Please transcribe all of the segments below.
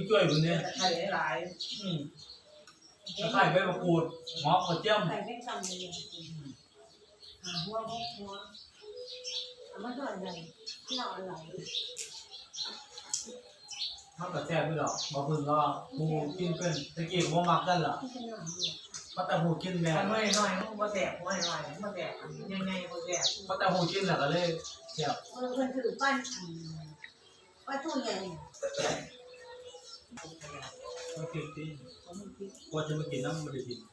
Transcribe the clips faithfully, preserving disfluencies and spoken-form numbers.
ช่วยคนนี้ไข่หลายอืมไข่ใบมะกรูดหอมกระเจี๊ยบไข่ไม่ซ้ำเลยหัวหัวมันก็อะไรที่เราอะไรมันก็แซ่บไม่หรอกบางคนก็หูกินเป็นตะกี้บ่มักกันล่ะก็แต่หูกินแม่น้อยน้อยมันบ่แสบน้อยน้อยมันบ่แสบยังไงบ่แสบก็แต่หูกินแหละก็เลยแซ่บเออคนถือปั้นปั้นตู้ใหญ่ก็กินที่ว่าจะมากินน้ำมันได้กิน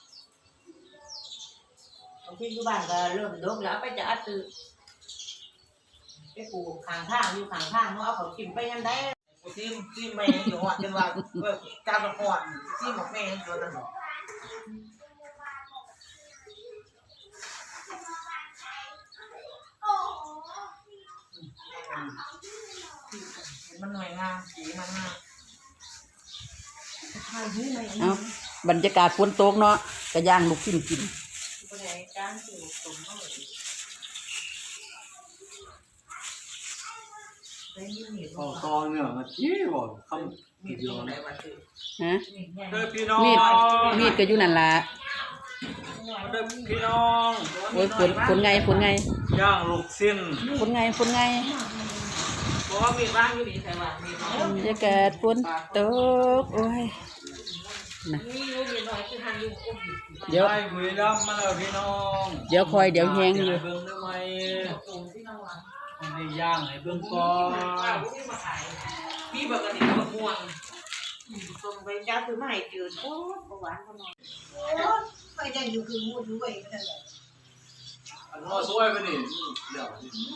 ที่อยู่บ้านก็เริ่มดกแล้วไปจะอัดตื้อไปปลูกข้างทางอยู่ข้างทางเนาะเอาเขากินไปยังได้กูซิมซิมแม่อยู่ฮอดจนว่าเออการละครซิมบอกแม่อยู่นั่นบ่มันหน่วยงานสีมันงามเอาบรรยากาศฝนตกเนาะกระย่างลูกกินกินต่อตอนเนี่ยมาจี้บ่คำมีดอยู่ไหนวะคือฮะเด้อพี่น้องมีดมีดก็อยู่นั่นล่ะเด้อพี่น้องโอ้ยฝนฝนไงฝนไงย่างลูกชิ้นฝนไงฝนไงเพราะว่ามีบ้างอยู่นี่แต่ว่ามีน้อยบรรยากาศฝนตกโอ้ยนะเดี๋ยวไอ้บุรีรัมย์มาแล้วพี่น้องเดี๋ยวคอยเดี๋ยวแห้งอยู่เบิ่งได้ไหมได้ย่างให้เบิ่งก่อนพี่บอกกันนี่มะม่วงส่งไปจ้าคือไม่ให้จืดโอ้หวานเขาหน่อยโอ้ไปจะอยู่คือมูดด้วยก็ได้อันว่าสวยไปนี่เดี๋ยว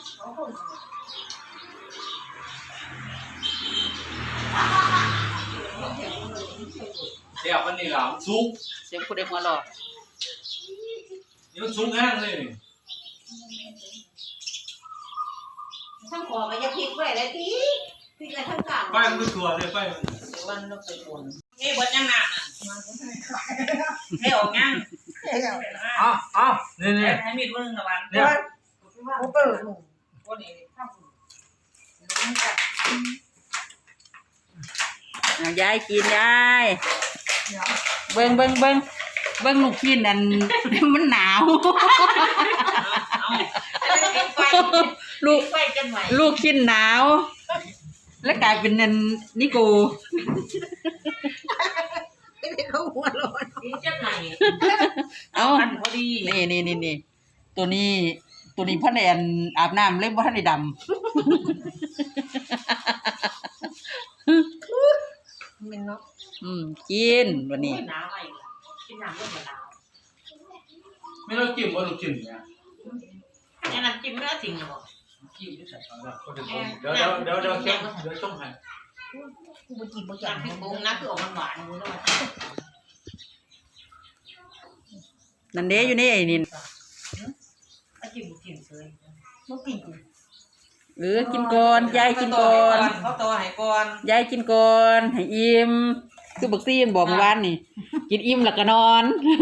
เดี๋ยววันนี้หลังซุกเสียงผู้ใดหัวหล่อนี่มันซุกแห้งเลยทั้งขอก็จะพลิกไว้เลยทีพลิกกันทั้งกลางไปมันก็ตัวเลยไปวันเราไปบนเอ้บดยังหนักอ่ะให้ออกยังอ้าวอ้าวนี่นี่ให้มีดวันนึงละวันเนี่ยกูเปิดวันนี้ยายกินยายเบิ้งเบิ้งเบิ้งเบิ้งลูกกินนั่นมันหนาวลูกลูกกินหนาวแล้วกลายเป็นนันนิโกเขาหัวร้อนจะไหนเอาพอดีนี่นี่นี่นี่ตัวนี้ตัวนี้พ่อแนนอาบน้ำเล่นว่าท่านได้ดำมันเนาะอืมกินวันนี้หนาวไปกินน้ำก็เหมือนหนาวไม่ต้องจิ้มว่าต้องจิ้มเนี่ยนี่น้ำจิ้มไม่ได้จริงหรอจิ้มด้วยสัตว์เดี๋ยวเดี๋ยวเดี๋ยวเดี๋ยวเดี๋ยวเดี๋ยวช่องให้กูไปกินบ่จังพี่ปุ้งนะคือออกหวานๆนู้นแล้วนั่นเด้อยู่นี่ไอ้นี่อาจิ้มจิ้มเลยบ่กินเออกินก่อนยายกินก่อนเขาต่อให้ก่อนยายกินก่อนให้อิ่มคือบักซี่มันบอกเมื่อวานนี่กินอิ่มแล้วก็นอน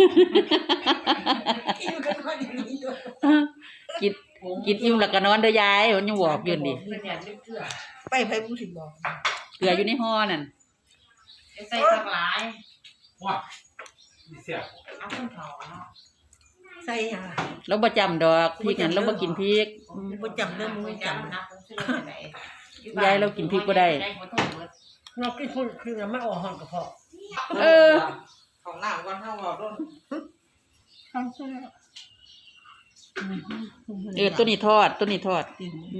กินกินอิ่มแล้วก็นอนเด้อยายมันยังบอกอยู่ดิไปไปผู้สิบอกเกลืออยู่ในห่อนั่นใส่สักหลายว้าเสียเอาขึ้นเผาเนาะใส่ยังเราบ่จำดอกพริกนั่นเราบ่กินพริกบ่จำเรื่องมึงจำนะยายเรากินพริกบ่ได้เรากินคนคือไม่ออกห้องกระเพาะเออของหน้าวันเท่าว่าต้นเออตัวนี้ทอดตัวนี้ทอด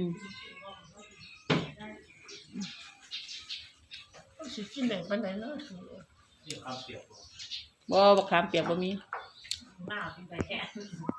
สิกินได้ปานใดเนาะนี่ข้าวเปียกบ่บักขามเปียกบ่มีหน้ากินไปแค่